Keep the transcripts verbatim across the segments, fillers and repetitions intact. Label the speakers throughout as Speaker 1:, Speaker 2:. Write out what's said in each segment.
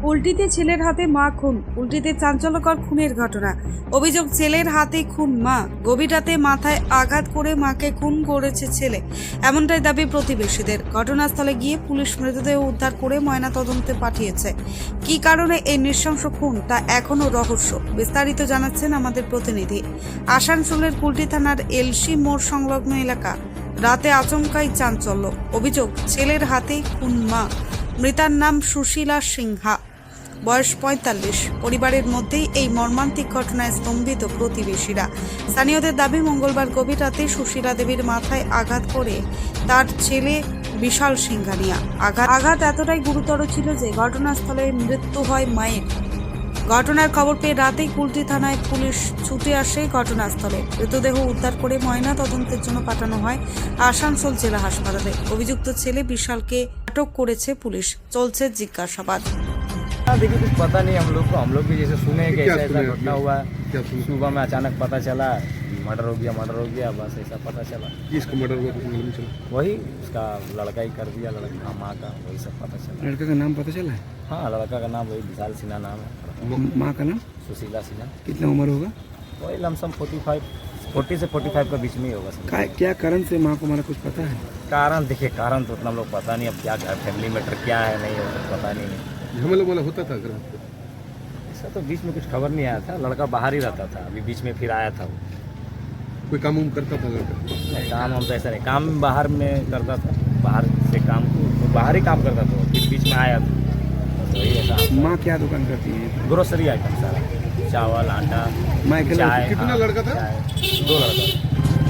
Speaker 1: উল্টিতে ছেলের হাতে মা খুন। উল্টিতে চাঞ্চল্যকর খুনের ঘটনা। অভিযোগ, ছেলের হাতে খুন মা। গভীর রাতে মাথায় আঘাত করে মাকে খুন করেছে ছেলে, এমনটাই দাবি প্রতিবেশীদের। ঘটনাস্থলে গিয়ে পুলিশ মৃতদেহ উদ্ধার করে ময়নাতদন্তে পাঠিয়েছে। কী কারণে এই নৃশংস খুন তা এখনও রহস্য। বিস্তারিত জানাচ্ছেন আমাদের প্রতিনিধি। আসানসোলের কুলটি থানার এলসি মোড় সংলগ্ন এলাকা। রাতে আচমকাই চাঞ্চল্য। অভিযোগ, ছেলের হাতে খুন মা। মৃতার নাম সুশীলা সিংহা, বয়স পঁয়তাল্লিশ। পরিবারের মধ্যেই এই মর্মান্তিক ঘটনায় স্তম্ভিত প্রতিবেশীরা। স্থানীয়দের দাবি, মঙ্গলবার গভীর রাতে সুশীলা দেবীর মাথায় আঘাত করে তার ছেলে বিশাল সিংহানিয়া। আঘাত আঘাত এতটাই গুরুতর ছিল যে ঘটনাস্থলে মৃত্যু হয় মায়ের। ঘটনার খবর পেয়ে রাতেই কুলটি থানায় পুলিশ ছুটে আসে ঘটনাস্থলে। মৃতদেহ উদ্ধার করে ময়না তদন্তের জন্য পাঠানো হয় আসানসোল জেলা হাসপাতালে। অভিযুক্ত ছেলে বিশালকে আটক করেছে পুলিশ। চলছে জিজ্ঞাসাবাদ।
Speaker 2: देखिए कुछ पता नहीं हम लोग को हम लोग भी जैसे सुने कि ऐसा ऐसा घटना हुआ। सुबह में अचानक पता चला मर्डर हो गया मर्डर हो गया बस ऐसा पता चला।
Speaker 3: किसका मर्डर हुआ कुछ मालूम चला?
Speaker 2: वही उसका लड़का ही कर दिया, लड़का माँ का वही सब पता चला।
Speaker 3: लड़का का नाम पता चला है?
Speaker 2: हाँ लड़का का नाम वही विशाल सिन्हा नाम है।
Speaker 3: माँ का नाम
Speaker 2: सुशीला सिन्हा।
Speaker 3: कितना उम्र होगा?
Speaker 2: वही लमसम फोर्टी फाइव फोर्टी से फोर्टी फाइव के बीच में ही होगा।
Speaker 3: क्या- क्या कारण से माँ को मारा कुछ पता है?
Speaker 2: कारण देखिए कारण तो उतना हम लोग पता नहीं, अब क्या फैमिली मैटर क्या है नहीं है कुछ पता नहीं है।
Speaker 3: झमेला वाला होता था घर में?
Speaker 2: ऐसा तो बीच में कुछ खबर नहीं आया था। लड़का बाहर ही रहता था, अभी बीच में फिर आया था वो।
Speaker 3: कोई काम उम करता था लड़का?
Speaker 2: नहीं, काम हम तो ऐसा नहीं, काम बाहर में करता था, बाहर से काम तो बाहर ही काम करता था, फिर बीच में आया था तो वही ऐसा।
Speaker 3: माँ क्या दुकान करती है?
Speaker 2: ग्रोसरी आइटम सारा, चावल आटा
Speaker 3: माँ अकेला?
Speaker 2: चाय।
Speaker 3: कितना
Speaker 2: हाँ,
Speaker 3: लड़का था?
Speaker 2: चाय, दो लड़का था।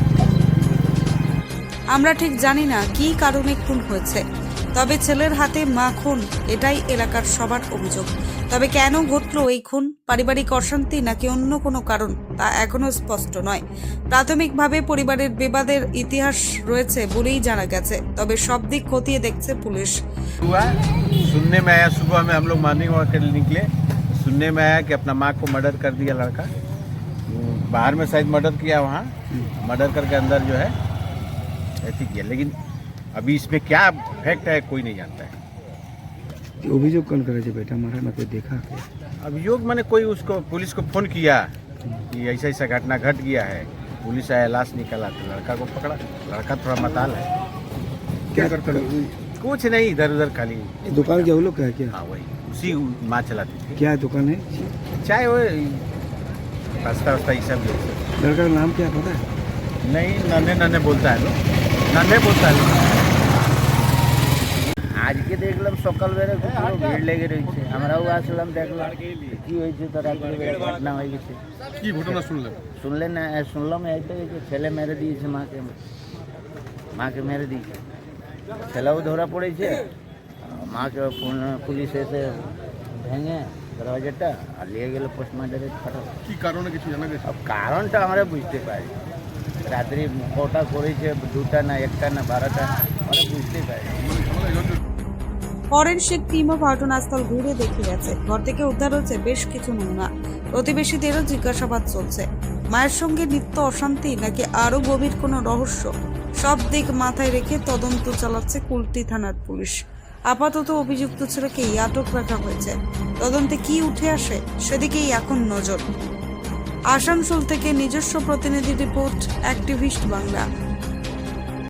Speaker 1: আমরা ঠিক জানি না কী কারণে খুন হয়েছে, তবে ছেলের হাতে মা খুন, এটাই এলাকার সবার অভিযোগ। তবে কেন ঘটল এই খুন, পারিবারিক অশান্তি নাকি অন্য কোনো কারণ, তা এখনো স্পষ্ট নয়। প্রাথমিকভাবে পরিবারের বিবাদের ইতিহাস রয়েছে বলেই জানা গেছে, তবে সব দিক খতিয়ে দেখছে পুলিশ।
Speaker 4: हुआ सुनने में आया, सुबह में हम लोग मॉर्निंग वॉक के लिए निकले, सुनने में आया कि अपना माँ को मर्डर कर दिया लड़का। बाहर में शायद मर्डर किया, वहाँ मर्डर करके अंदर जो है ऐसी किया, लेकिन अभी इसमें क्या फैक्ट है कोई नहीं जानता है।
Speaker 3: अभियोग कौन करे बेटा मारा ना तो देखा क्या?
Speaker 4: अभियोग मैंने कोई उसको पुलिस को फोन किया कि ऐसा ऐसा घटना घट गया है, पुलिस आया, लाश निकाला तो लड़का को पकड़ा। लड़का थोड़ा मताल है।
Speaker 3: क्या करता है?
Speaker 4: कुछ नहीं, इधर उधर खाली।
Speaker 3: दुकान क्या वो लोग का है क्या?
Speaker 4: हाँ वही उसी माँ चलाती थी।
Speaker 3: क्या दुकान है?
Speaker 4: चाहे वो रास्ता वास्ता ये सब ये सब।
Speaker 3: लड़का का नाम क्या पता है?
Speaker 4: नहीं, नन्हे नन्हे बोलता है लोग, नन्हे बोलता है लोग।
Speaker 5: আজকে দেখলাম সকালবেলা পুরো ভিড় লেগে রয়েছে, আমরাও আসলাম দেখলাম কি হয়েছে, তো রাত্রিবেলা ঘটনা হয়ে গেছে।
Speaker 3: কি ঘটনা শুনলেন?
Speaker 5: শুনলেন না? শুনলাম এইটাই যে ছেলে মেরে দিয়েছে মাকে, মাকে মেরে দিয়েছে। ছেলেও ধরা পড়েছে, মাকে পুন- পুলিশ এসে ভেঙে দরওয়াজাটা আর নিয়ে গেল পোস্টমার্টমে পাঠাবো।
Speaker 3: কি কারণে কিছু জানা গেছে?
Speaker 5: अब কারণটা আমরা বুঝতে পারি, রাত্রি কটা করেছে, দুটা না একটা না বারোটা, আমরা বুঝতে পারি।
Speaker 1: ফরেনসিক টিমও ঘটনাস্থল ঘুরে দেখে গেছে। ঘর থেকে উদ্ধার হচ্ছে বেশ কিছু নমুনা। প্রতিবেশীদেরও জিজ্ঞাসাবাদ চলছে। মায়ের সঙ্গে নিত্য অশান্তি নাকি আরও গভীর কোনো রহস্য, সব দিক মাথায় রেখে তদন্ত চালাচ্ছে কুলটি থানার পুলিশ। আপাতত অভিযুক্ত ছেলেকেই আটক রাখা হয়েছে। তদন্তে কি উঠে আসে সেদিকেই এখন নজর। আসানসোল থেকে নিজস্ব প্রতিনিধি রিপোর্ট, অ্যাক্টিভিস্ট বাংলা।